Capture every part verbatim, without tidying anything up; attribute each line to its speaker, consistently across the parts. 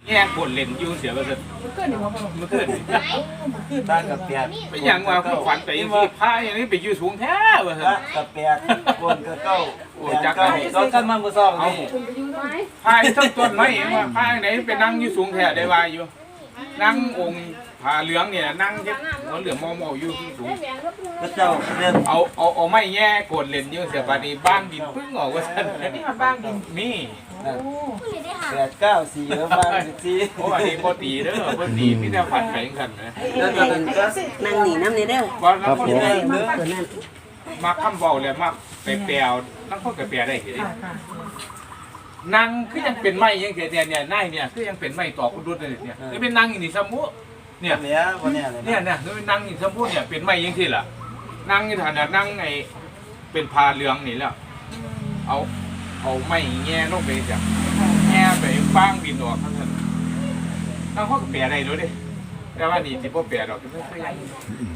Speaker 1: แง่กดเล่นอยู่เสียก็จะมันเกินนี่ว่ามันเกิน
Speaker 2: บ้านกับเปียก
Speaker 1: เป็นอย่างว่าผู้ขวัญไปที่ผ้าอย่างนี้ไปอยู่สูงแท้ว่ะ
Speaker 2: กับเปียกบนกับเก้าโอ้จักรก็กันมาเมื่อสองนี่
Speaker 1: ผ้าทั้งต้นไม้เองว่าผ้าไหนไปนั่งอยู่สูงแท้ได้ว่าอยู่นั่งองค์ผ้าเหลืองเนี่ยนั่งเฮ็ดหัวเหลืองมอมออยู่สูง
Speaker 2: ก็เจ้าเดิน
Speaker 1: เอาเอาเอาไม้แง่กดเล่นอยู่เสียปานนี้บ้านดินปึ้งออกว่าซั่น
Speaker 3: นี่มาบ้างดิน
Speaker 1: นี่
Speaker 2: แปดเก้าสี่แล้วบ้านสี่
Speaker 1: โอ้อันนี้บ่ตีเด้อบ่ตีมีแต่ฝันไปกันนะ
Speaker 2: แล้วตอนนั้นก็
Speaker 4: นั่งหนีน้ำนี่เด้อ
Speaker 1: ครับผม
Speaker 4: ตัวนั้น
Speaker 1: มาคำเว้าเลยมาไปแปลวนั่งคนก็แปลได้เห็นนั่งคือยังเป็นไม้ยังเสียเนี่ยนายเนี่ยคือยังเป็นไม้ตอกดุดเลยเนี่ยนี่เป็นนั่งนี่สมุเนี่ย
Speaker 2: เนี่ยวันนี้เลย
Speaker 1: เนี่ยเนี่ยนี่เป็นนั่งนี่สมุเนี่ยเป็นไม้ยังที่ล่ะนั่งนี่ฐานะนั่งไอ้เป็นพาเหลืองนี่แล้วเอาเอาไม้แง่ลงไปจ้ะแง่ไปฟางบินออกทั้งนั้นนั่งเขาก็แปลได้ด้วยดิแต่ว่านี่ที่พ่อแปลดอกไม่ค่อยยัง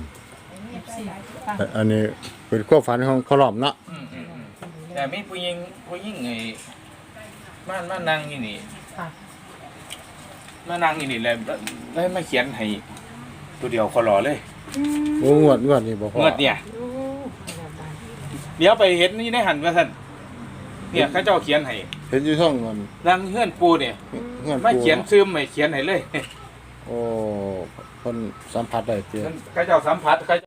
Speaker 5: อันนี้เป็นความฝันของขลอมเนาะ
Speaker 1: แต่ไม่ผู้หญิงผู้หญิงไอ้มามานั่งนี่นี่มานั่งนี่นี่เลยแล้วมาเขียนให้ตัวเดียวขอรอเลย
Speaker 5: โอ้งวดงวดนี่บ่พ
Speaker 1: องวดเนี่ยเดี๋ยวไปเห็นนี่ได้หันมาสั่นเนี่ยเขาเจ้าเขียนให้
Speaker 5: เห็นอยู่ช่องมัน
Speaker 1: นั่งเฮือนปูเนี่ยไม่เขียนซึมไม่เขียนให้เลย
Speaker 5: โอ้คนสัมผัสได้เจ้า
Speaker 1: เขาเจ้าสัมผัสเขา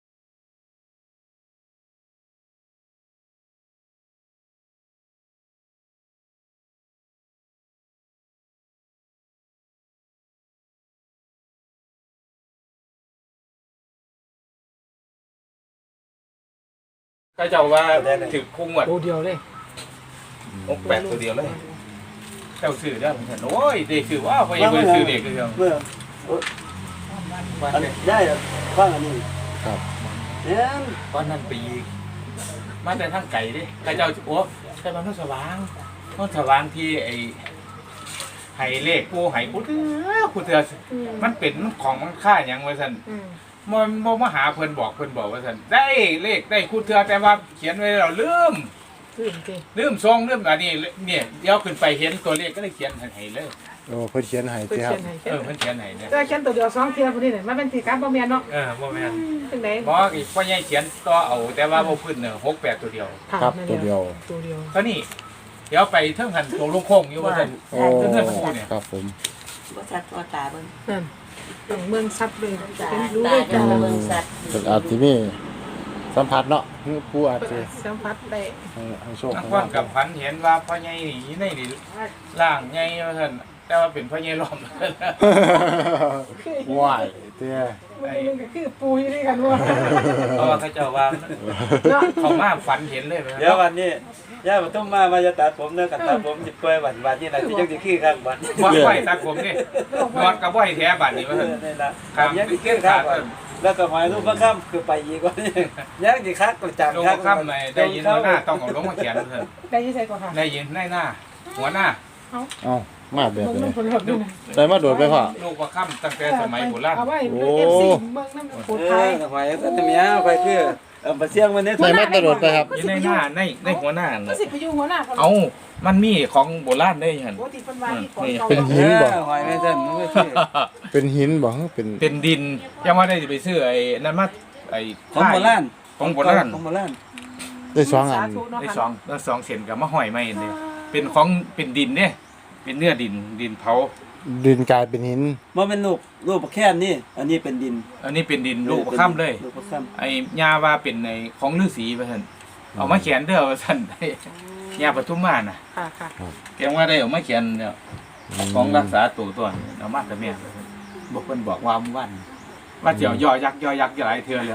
Speaker 1: ก็จะว่าถือคุ้งหมด
Speaker 3: ตัวเดียวเลย
Speaker 1: อกแปดตัวเดียวเลยเจ้าสื่อได้ผมเห็นโอ้ยเด็กสื่อว่าพอยังไม่สื่อเด็กเลยเมื่อ
Speaker 2: ได้ฟังอันนี้
Speaker 5: ครับ
Speaker 2: เนี่ย
Speaker 1: ตอนนั้นไปยิงมาแต่ทั้งไก่ดิไก่เจ้าโอ้ไก่บ้านน้องสว่างน้องสว่างที่ไอ้ไห้เลขกูไห้กูเถอะกูเถอะมันเป็นของมันค่าอย่างไว้สันมันโมมาหาเพิ่นบอกเพิ่นบอกว่าสันได้เลขได้คู่เธอแต่ว่าเขียนไว้เราลืมลืมซองลืมอันนี้เนี่ยเดี๋ยวขึ้นไปเห็นตัวเลขก็เลยเขียนให้เลย
Speaker 5: โอ้เพิ่นเขียนให้ครับ
Speaker 1: เออเพิ่นเขียนให้เนี่ย
Speaker 3: แต่เขียนตัวเดียวสองเทียบคนนี้เนี่ยมันเป็นสีกราฟบ่แม่นเนาะ
Speaker 1: เออบ่แม่น
Speaker 3: จังได๋
Speaker 1: บอกอีกพ่อใหญ่เขียนต่อเอาแต่ว่าบ่พื้นเนี่ยหกแปดตัวเดียว
Speaker 5: ครับตัวเดียว
Speaker 3: ตัวเดียว
Speaker 1: เท่านี้เดี๋ยวไปเทิงหันตัวลงโค้งอยู่ว่าซั่น
Speaker 5: โอ้ครับผม
Speaker 4: บ่ชัดบ่ตาเบิ่ง
Speaker 3: นั่นเมืองซัดเลย
Speaker 4: เป็นรู้เลยจ้าเมืองซัด
Speaker 5: เป็นอาจสิมีสัมผัสเนาะผู้อาจสิ
Speaker 3: สัมผัสได้
Speaker 5: ให้โชค
Speaker 1: นักว่ากับฝันเห็นว่าพ่อใหญ่นี่ในนี่ร่างใหญ่ว่าซั่นแต่ว่าเป็นพ่อใหญ่ล้อม
Speaker 5: ว้ายเตี้ย
Speaker 3: มันก็คือปูอยู่ด้วยกันว่า
Speaker 1: เพราะว่าเขาเจ้าว่าเขามาฝันเห็นเลย
Speaker 2: เดี๋ยววันนี้ย่ามันต้องมามาจะตัดผมเนื้อกับตัดผมจิบเปยวันวันนี้นะที่ยังจะขี้ข้างวัน
Speaker 1: บ่ไหวตัดผมนี่นอนกับบ่อยแท้บัดนี้ว่าซั่น
Speaker 2: นี่ล่ะยังจะขี้ข้างแล้วก็หมายรูปพระค่ำคือไปอีกว่านี่ยังจะคักตัวจัง
Speaker 1: คักค่ำเลยได้ยินหัวหน้าต้องเอาลงมาเขียนเพิ่น
Speaker 3: ได้ยินใส่ก่อนค่ะ
Speaker 1: ได้ยินในหน้าหัวหน้า
Speaker 5: เอ้ามาแบบนี้ได้มาโดดไปพ่อ
Speaker 1: ลูกว่าค่ำตั้งแต่สมัยโบราณ
Speaker 3: เอาไว้ เอฟ ซี เมืองน้ำโขงไทย
Speaker 2: ทำไมก็จะมีอ่ะไปคือเออมาเสี่ยงวันนี้
Speaker 5: ได้มาโดดไปครับ
Speaker 1: อยู่ในหน้าในในหัวหน้า
Speaker 3: ก็สิไปอยู่หัวหน้า
Speaker 1: เอามันมีของโบราณได้หั่น
Speaker 5: เป็นหินบ่
Speaker 2: หอยไม่เส้นไม่ใช่
Speaker 5: เป็นหินบ่เป็น
Speaker 1: เป็นดินยังว่าได้ไปซื้อไอ้นั่นมาไอ้
Speaker 2: ของโบราณ
Speaker 1: ของโบราณ
Speaker 2: ของโบราณ
Speaker 5: ได้สองอัน
Speaker 1: ได้สองได้สองเส้นกับมะห้อยไม้นี่เป็นของเป็นดินเนี่ยเป็นเนื้อดินดินเผา
Speaker 5: ดินกลายเป็นหิน
Speaker 2: มันเป็นรูปรูปแค่นี้อันนี้เป็นดิน
Speaker 1: อันนี้เป็นดินลูกประค่ำเลยไอ้ยาว่าเป็นในของฤาษีว่าซั่นเอามาเขียนเด้อว่าซั่นยาปทุมมาน่ะ
Speaker 3: ค่ะค่ะ
Speaker 1: แกว่าได้เอามาเขียนเนี่ยของรักษาตัวตัวเอามาแต่แม่บอกเพิ่นบอกว่าวันว่าเจียวยอยักยอยักหลายเทื่อแล้ว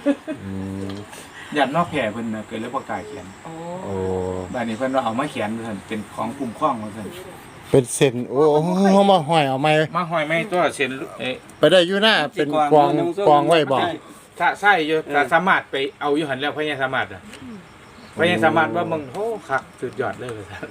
Speaker 1: ยันนอกแผ่เพิ่นน่ะเกิดเลยบ่กล้าเขียนโอ้บัดนี้เพิ่นว่าเอามาเขียนว่าซั่นเป็นของคุ้มครองว่าซั่น
Speaker 5: เป็นเส้นโอ้เฮามาห้อยเอาไม้
Speaker 1: มาห้อยไม้ตัวเส้นเอ๊ะ
Speaker 5: ไปได้อยู่หน้าเป็นกองกองไว้บ่
Speaker 1: ถ้าใช่อยู่ถ้าสามารถไปเอาอยู่หั่นแล้วพญาสามารถอ่ะพญาสามารถว่ามึงโหคักสุดยอดเลยว่าซั่น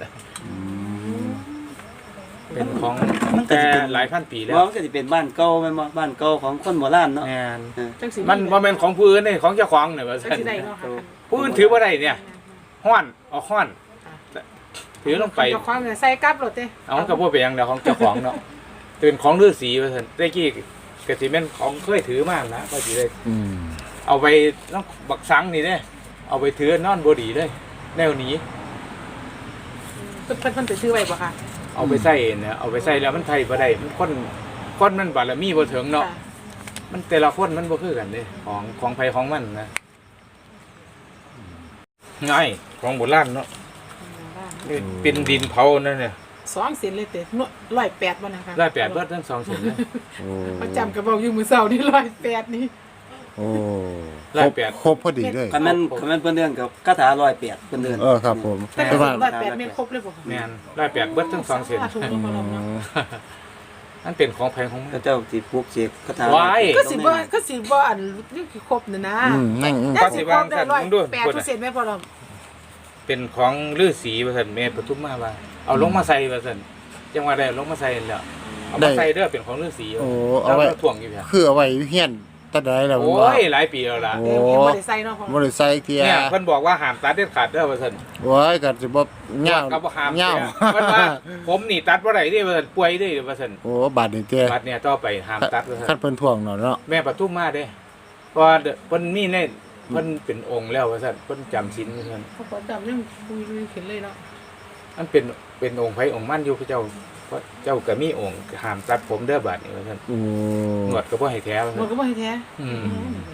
Speaker 1: เป็นของแต่หลายพันปีแล้ว
Speaker 2: มันก็สิเป็นบ้านเก่าแม่นบ่บ้านเก่าของคนโบราณเนาะ
Speaker 1: มันบ่แม่นของผู้อื่นนี่ของเจ้าของนี่ว่าซั่นผู้อื่นถือบ่ได้เนี่ยฮ้อนเอาฮ้อนถือลงไป
Speaker 3: เจ้าของใส่กลับรถเด้
Speaker 1: เอาก็บ่เป็นหยังแล้วของเจ้าของเนาะเป็นของฤาษีว่าซั่นแต่กี้ก็สิแม่นของเคยถือมานะก็สิได้
Speaker 5: อืม
Speaker 1: เอาไปน้องบักสังนี่เด้เอาไปถือนอนบ่ดีเลยแนวนี้
Speaker 3: เพิ่นเพิ่นเพิ่นไปซื้อไว้บ่ค่ะ
Speaker 1: เอาไปใส่เนี่ยเอาไปใส่แล้วมันไทยบ่ได้มันคนคนมันบารมีบ่ถึงเนาะ
Speaker 3: ค่ะ
Speaker 1: มันแต่ละคนมันบ่คือกันเด้ของของไผของมันนะง่ายของโบราณเนาะนี่เป็นดินเผานั่นเนี่ย
Speaker 3: สองเส้นเลยเตะนวดร้อยแปดบ่นะคะ
Speaker 1: ร้อยแปดเบิดทั้งสองเส้นเลย
Speaker 5: โอ้
Speaker 3: เขาจำกระบอกอยู่มือเสานี่ร้อยแปดนี่
Speaker 5: โอ้ค
Speaker 1: ร้
Speaker 5: ร
Speaker 1: อย
Speaker 5: บ
Speaker 1: แปด
Speaker 5: ครบพอดีเลย
Speaker 2: คันแม่นคันแม่นเพิ่นเรื่องกับคาถาร้อยแปดเพิ่นเดิน
Speaker 5: เออครับผม
Speaker 3: แต่
Speaker 5: แต่ว่า
Speaker 3: ร้อยแปดไม่ครบเลยบ่ค่ะ
Speaker 1: แม่นร้อยแปดเบิดทั้งสองเส้น
Speaker 3: ถูกต้องบ่ลงเนาะ
Speaker 1: นั่นเป็นของแพงของมัน
Speaker 2: พระเจ้าสิปลูกเสกคาถา
Speaker 1: ว้าย
Speaker 3: ก็สิบ่ก็สิบ่อันนี่คือครบน่ะนะ
Speaker 5: อืมนั่งอืม
Speaker 3: แต่สิครบได้ร้อยแปดเปอร์เซ็นต์แม่พอเรา
Speaker 1: เป็นของฤาษีว่าซั่นแม่ปทุมมาว่าเอาลงมาใส่ว่าซั่นจังว่าได้เอาลงมาใส่แล้วเอามาใส่เด้อเป็นของฤาษี
Speaker 5: โอ้เอาไว้
Speaker 1: แล้วถ่วงอยู่เนี่ย
Speaker 5: คือเอาไว้เฮียนตะไดแล้ว
Speaker 1: โอ้
Speaker 5: ว่าย
Speaker 1: หลายปีแล้วล่ะ
Speaker 5: โอ้
Speaker 3: เดี๋ยวยังบ่ได้ใส่เนาะพอ
Speaker 5: บ่ได้ใส่เกีย
Speaker 1: เนี่ย
Speaker 5: ร์
Speaker 1: เพิ่นบอกว่าห้ามตัดเด็ดขาดเด้อว่าซั่น
Speaker 5: โอ้ยก็สิบ่เหงา
Speaker 1: ก็บ่ห้าม
Speaker 5: เหงา
Speaker 1: เพิ่นว่าผมนี่ตัดบ่ได้เด้ว่าซั่นป่วยเด้ว่าซั่น
Speaker 5: โอ้บาดนี่เจ้
Speaker 1: บัดเนี่ยต่อไปห้ามตัดว่าซั่
Speaker 5: คัน
Speaker 1: น
Speaker 5: เพิ่นท่วงเนาะเนาะ
Speaker 1: แม่ปทุมมาเด้เพราะว่าเพิ่นมีในเพิ่นเป็นองค์แล้วว่าซั่นเพิ่นจำศีลว่าซั่น
Speaker 3: เขาขอจำยังคุยคุยขึ้นเลยเนาะ
Speaker 1: มันเป็นเป็นองค์ไผองค์มันอยู่พระเจ้าเพราะเจ้าก็มีองค์ห้ามตัดผมเด้อบัดนี้ว่าซั่น
Speaker 5: โอ้
Speaker 1: หนวดก็บ่ให้แท้ว่า
Speaker 3: มั
Speaker 1: ซั่
Speaker 3: น
Speaker 1: น
Speaker 3: ก็บ่ให้แท้
Speaker 1: อืม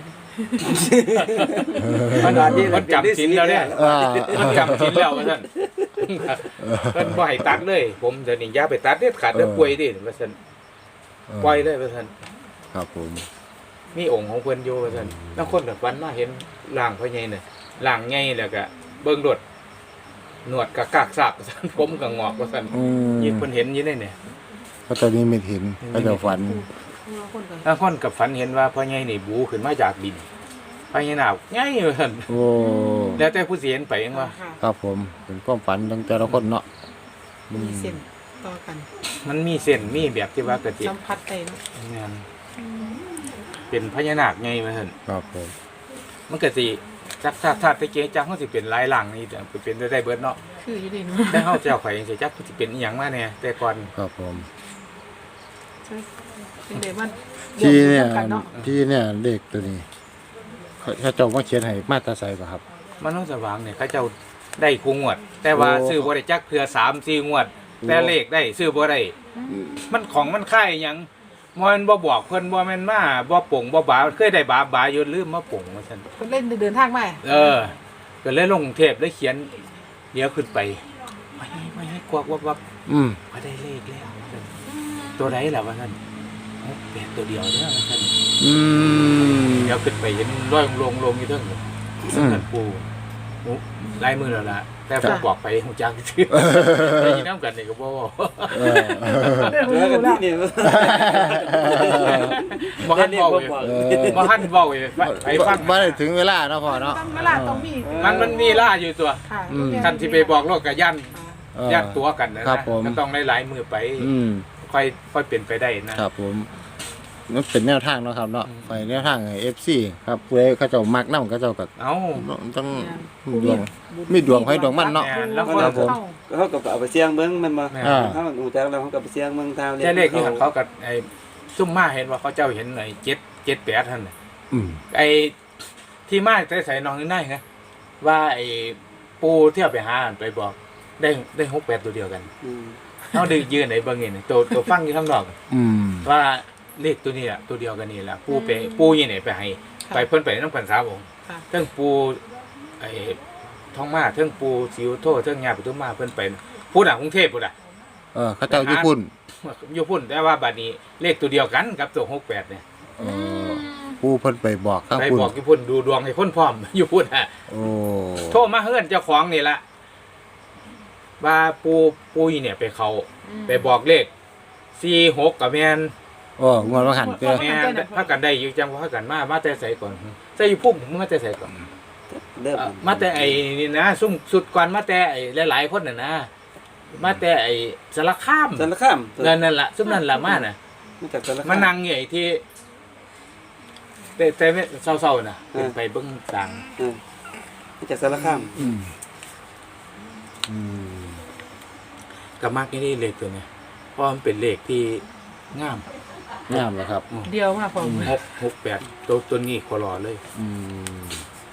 Speaker 2: ขนาดนี้
Speaker 1: มันจำศีลแล้วเนี่ย
Speaker 5: อ่า
Speaker 1: มันจำศีลแล้วว่าซั่นเพิ่นบ่ให้ตัดเลย ผมเดี๋ยวนี้อย่าไปตัดเด็ดขาดเด้อป่วยเด้ว่าซั่นปล่อยเลยว่าซั่น
Speaker 5: ครับผม
Speaker 1: มีองค์ของเพิ่นอยู่ว่าซั่นแล้วคนแบบวันมาเห็นร่างพ่อใหญ่น่ะร่างใหญ่แล้วก็เบิ่งรถหนวดก็กากซากว่าซั่นผมก็งอกว่าซั่น
Speaker 5: อืม
Speaker 1: ยิ่งเพิ่นเห็นอยู่ในเนี่ย
Speaker 5: เพราะตอนนี้ไม่เห็นก็จะฝัน
Speaker 3: เราคนกัน
Speaker 1: แล้วคนกับฝันเห็นว่าพ่อใหญ่นี่บูขึ้นมาจากดินพ่อใหญ่หนาวใหญ่ว่าซั่น
Speaker 5: โอ้
Speaker 1: แล้วแต่ผู้สิเห็นไปเองว่า
Speaker 3: ค่ะ
Speaker 5: ครับผมเป็นความฝันตั้งแต่ละคนเนาะ
Speaker 3: มีเส้นต่อกัน
Speaker 1: มันมีเส้นมีแบบที่ว่ากะติ
Speaker 3: สัมผัสได้เนาะ
Speaker 1: แม่นเป็นพญานาคไงว่าซั่น
Speaker 5: ครับผม
Speaker 1: มันก็สิจักถ้าถ้าตะเกียจักเฮาสิเป็นหลายหลังนี่แต่เป็นได้เบิดเนาะ
Speaker 3: คืออยู่ดีเนาะ
Speaker 1: แต่เฮาเจ้าข่อยจังสิจักสิเป็นอีหยังมาแน่แต่ก่อน
Speaker 5: ครับผม
Speaker 3: เป็นเดมัน
Speaker 5: ที่เนี่ย
Speaker 3: กันเนาะ
Speaker 5: ที่เนี่ยเลขตัวนี้เขาเขาเจ้ามาเขียนให้มาตราใส่ป่ะครับ
Speaker 1: มันต้องสว่างเนี่ยเขาเจ้าได้คู่งวด แต่ว่า
Speaker 5: โอ้
Speaker 1: ซื้อบ่ได้จักเทื่อสาม สี่งวด แต่เลขได้ซื้อบ่ได้มันของมันค่ายหยังบ่แม่นบ่บอกเพิ่นบ่แม่นมาบ่ปงบ่บาเคยได้บาบาอยู่ลืมมาปงว่าซั่น
Speaker 3: คนเล่นเดินทางมา
Speaker 1: เออ ก็เลยลงกรุงเทพเลยเขียนเดี๋ยวขึ้นไปไม่ให้ไม่ให้กวักวับวับ
Speaker 5: อืม
Speaker 1: มาได้เลขแล้วตัวไหนล่ะว่าท่านหกแปดตัวเดียวเด้อว่าท่าน
Speaker 5: อืม
Speaker 1: เดี๋ยวขึ้นไปเห็นร้อยลงลงอยู่เทั้งสำนักปูโอ้ลายมือแล้วล่ะแต่ผมบอกไปหูจักชื่อได้ยินน้ำกันนี่ก็บ่บอก
Speaker 5: เออ
Speaker 3: เรื่อง
Speaker 2: เหลือ
Speaker 3: รู้
Speaker 2: กัน
Speaker 3: แล้
Speaker 2: ที่
Speaker 3: ว
Speaker 2: นี่
Speaker 1: บ่ทันเว้าเลย
Speaker 5: เออ
Speaker 1: บ่ทันเว้าเลยไปฟัง
Speaker 5: มาได้ถึงเวลาเนาะพ่อเนาะ
Speaker 3: ต้องเวลาต้องมี
Speaker 1: มันมันมีล่าอยู่ตัว
Speaker 3: ค่ะ
Speaker 5: อืม
Speaker 1: ท่านที่ไปบอกโลกกับย่าน
Speaker 5: เออย่
Speaker 1: านตัวกันนะครับ
Speaker 5: ผม
Speaker 1: มันต้องหลายๆมือไป
Speaker 5: อืม
Speaker 1: ค่อยค่อยเปลี่ยนไปได้นะครับ
Speaker 5: ผมมันเป็นแนวทางเนาะครับเนาะไปแนวทางเอฟซีครับผู้ใดเขาเจ้ามักนำเขาเจ้าก็
Speaker 1: เอ้า
Speaker 5: ต้องดวง มีดวงให้ดวงมันเนาะ
Speaker 1: แล้วก็
Speaker 5: ครับผม
Speaker 2: เขาก็เอาไปเสี่ยงเบิ่งแมันบ่
Speaker 1: แม่
Speaker 5: อ่า
Speaker 2: ถ้ามันหูจักแล้วเขาก็ไปเสี่ยงเบิ่งทาง
Speaker 1: แต่เลขที่เขากับไอ้ซุ่มมาเห็นว่าเขาเจ้าเห็นไอ้เจ็ดเจ็ดแปดท่านน่ะ
Speaker 5: อืม
Speaker 1: ไอ้ที่มาใส่ใส่น้องนี่ได้ไงว่าไอ้ปูเที่ยวไปหาไปบอก ได้ได้หกแปดตัวเดียวกัน
Speaker 2: อืม
Speaker 1: เขาดึงยืนไหนบางเงี้ยตัวตัวฟังอยู่ข้างนอก
Speaker 5: อืม
Speaker 1: ว่าเลขตัวนี้แหละตัวเดียวกันนี่แหละปูไปปูยี่ไหนไปให้ไปเพิ่นไปน้ำกันสาวองค์
Speaker 3: ค่ะ
Speaker 1: เทิงปูไอ้ท้องมาเทิงปูสิวโทเทิงยาปุตุมาเพิ่นไปพูดอ่ะกรุงเทพพูดอ่ะ
Speaker 5: เออเขาเจ้าญี่ปุ่น
Speaker 1: อยู่พุ่นแต่ว่าบัดนี้เลขตัวเดียวกันกับตัวหกแปดเนี่ย
Speaker 5: เออผู้เพิ่นไปบอกข้าง
Speaker 1: ไป
Speaker 5: พุ่น
Speaker 1: บอกอยู่พุ่นดูดวงให้คนพร้อม อยู่พุ่นอ่ะ
Speaker 5: โอ้
Speaker 1: โทรมาเฮือนเจ้าของนี่ละว่าปูปูยเนี่ยไปเขาไปบอกเลขสี่หกกับแมน
Speaker 5: โอ้งวดว่าหันเจ้
Speaker 1: แมนพากันได้อยู่จังว่ากันมามาแต่ใส่ก่อนใส่อยู่พุ่มมึงมาแต่ใส่ก่อน
Speaker 2: เริ่ม
Speaker 1: เอ่อมาแต่ไอ้นี่นะซุ่มสุดก่อนมาแต่ไอ้หลายๆคนน่ะนะมาแต่ไอ้สารคาม
Speaker 2: สารคาม
Speaker 1: นั่นนั่นล่ะซุ่มนั่นล่ะมาน่ะ
Speaker 2: มาจากสารคาม
Speaker 1: มานั่งอยู่ไอ้ที่แต่แต่เศร้าๆน่ะเป็นไปเบิ่งต่าง
Speaker 2: เออมาจากสารคาม
Speaker 5: อืมอืม
Speaker 1: กับมากนี่เลขตัวเนี้ยเพราะมันเป็นเลขที่งาม
Speaker 5: งามนะครับ
Speaker 3: เดียวมาพอ
Speaker 1: หกหกแปดตัวตัวนี้ขอรอเลย
Speaker 5: อืม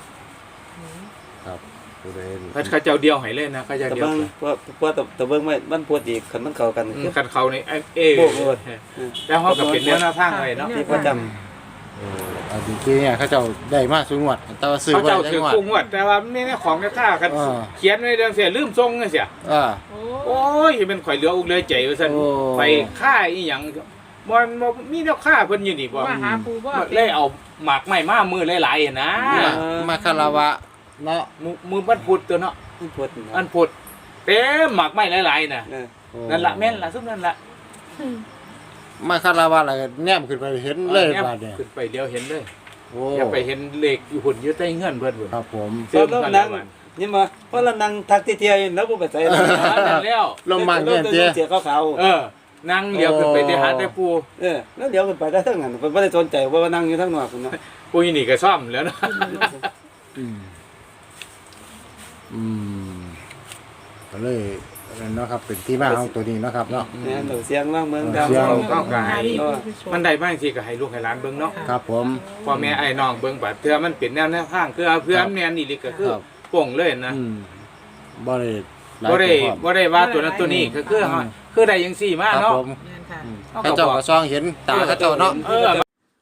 Speaker 5: ครับผู้ใด
Speaker 1: เขาเขาเจ้าเดียวให้เลยนะเขาเจ้า
Speaker 2: แต่
Speaker 1: เดียว
Speaker 2: เบิ่ง
Speaker 1: เลย
Speaker 2: เพราะเพราะแต่แต่เบิ่งไม่มันพูดอีกคันมันเข้ากัน
Speaker 1: อืม
Speaker 2: คือ
Speaker 1: คันเขาในไอ้เอ
Speaker 2: โอ้โห
Speaker 1: แล้วเขาก็เป็นแนวหน้าทางไว้เนาะ
Speaker 2: ที่ประจำ
Speaker 5: เอออันจริงๆเนี่ยเขาเจ้าได้มาสูงวัดแต่ว่าซื้อ
Speaker 1: เขา
Speaker 5: ไว้
Speaker 1: เจ้า
Speaker 5: จั
Speaker 1: ถือง
Speaker 5: หวัด
Speaker 1: กุ้งวัดแต่ว่าไม่ได้ของในค่ากัน
Speaker 5: อ่า
Speaker 1: เขียนไว้เรื่องเสียลืมทรงเสีย
Speaker 5: อ่า
Speaker 3: โอ้
Speaker 1: โอ้ยเป็นข่อยเหลืออุกเหลือใจว่าซั่น
Speaker 5: โอ้
Speaker 1: ไปค่ายอีหยังบ่บ่มีแนวค่าเพิ่นอยู่นี่บ่
Speaker 3: มาหาปูบ่
Speaker 1: เลยเอาหมากไม้มามือหลายๆนะ
Speaker 5: มามาคาราวะเนาะ
Speaker 1: มือมือวันพุธตัวเนาะ
Speaker 2: มันพูด
Speaker 1: วันพุธเต็มหมากไม้หลายๆน่ะ
Speaker 2: เออ
Speaker 5: โอ้
Speaker 1: นั่นล่ะแม่นล่ะซุมนั่นล่ะ
Speaker 5: มาคาราวะอะไรแนมขึ้นไปเห็นเลย
Speaker 1: อา
Speaker 5: บาดเนี่ย
Speaker 1: ขึ้นไปเดียวเห็นเลย
Speaker 5: โอ้
Speaker 1: อย่าไปเห็นเลขอยู่หุ่นอยู่ใต้เงื่อนเพิ่นพุ่น
Speaker 5: ครับผม
Speaker 2: เพราะเรานั่งนี่มาเพราะเรานั่งทักที่เที่ยวอยู่แล้วบ่ไปใส่เลย
Speaker 1: หานั่นแล้ว
Speaker 5: ลงมาเงี้ยเจ๊
Speaker 2: เสียขาว
Speaker 1: เออนั่งเลี้ยวขึ้นไปที่หาแต่ปู
Speaker 2: ๆเออแล้วเดี๋ยวขึ้นไปได้ทั้งนั้นเพิ่นบ่ได้สนใจว่านั่งอยู่ทางนอกพุ่นเนาะ
Speaker 1: ปูนี่นี่ก็ซ่อมแล้วเนาะ
Speaker 5: อืมอืมก็เลยนั่นเนาะครับเป็นที่มาของตัวนี้เนาะครับเนาะ
Speaker 2: เนี่ยเราเสียงว่างเมือง
Speaker 5: เสี
Speaker 2: ดำ
Speaker 5: ยง
Speaker 1: เข้าก็ให้
Speaker 2: เออ
Speaker 1: มันได้บ้างสิก็ให้ลูกให้หลานเบิ่งเนาะ
Speaker 5: ครับผม
Speaker 1: พ่อแม่ไอ้น้องเบิ่งบัดเทื่อมันเป็นแนวแนวทางคือเพื่อแม่นนี่ลิก็คือ
Speaker 5: ครับ
Speaker 1: โป่งเลยนะ
Speaker 5: อืมบ่ได้หลาย
Speaker 1: บ่ได้
Speaker 5: ตัวพร้อม
Speaker 1: บ่ได้ว่าตัวนั้นตัวนี้ก็คือเฮาคือได้จังซี่มา
Speaker 5: ครับ
Speaker 1: เนาะ
Speaker 5: ผม
Speaker 3: แม่นค่ะ
Speaker 5: อืมเขาเจ้าก็ซองเห็นตาเขาเจ้าเนาะ
Speaker 1: เออ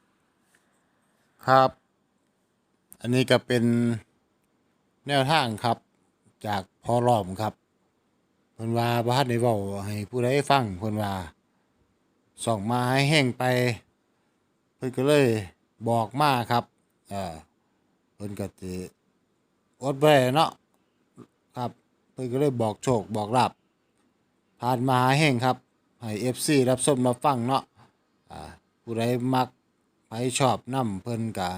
Speaker 5: ครับ อันนี้ก็เป็นแนวทางครับ จากพอรอมครับเพิ่นว่าบ่ทันได้เว้าให้ผู้ใดฟังเพิ่นว่าส่องมาให้แห้งไป เพิ่นก็เลยบอกมาครับเอ่อเพิ่นก็สิอดบ่ได้เนาะครับ เพิ่นก็เลยบอกโชคบอกลาภผ่านมาหาแห้งครับให้ เอฟ ซี รับชมรับฟังเนาะอ่าผู้ใดมักไปชอบนำเพิ่นก็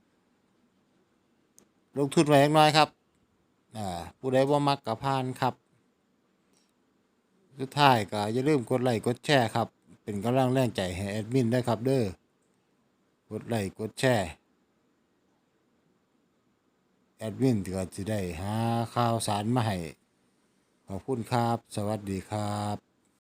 Speaker 5: ลงทุนไว้จักหน่อยครับอ่าผู้ใดบ่มักก็ผ่านครับสุดท้ายก็อย่าลืมกดไลค์กดแชร์ครับ เป็นกำลังแรงใจให้แอดมินด้วยครับเด้อกดไลค์กดแชร์แอดมินก็จะได้หาข่าวสารมาให้ขอบคุณครับ สวัสดีครับ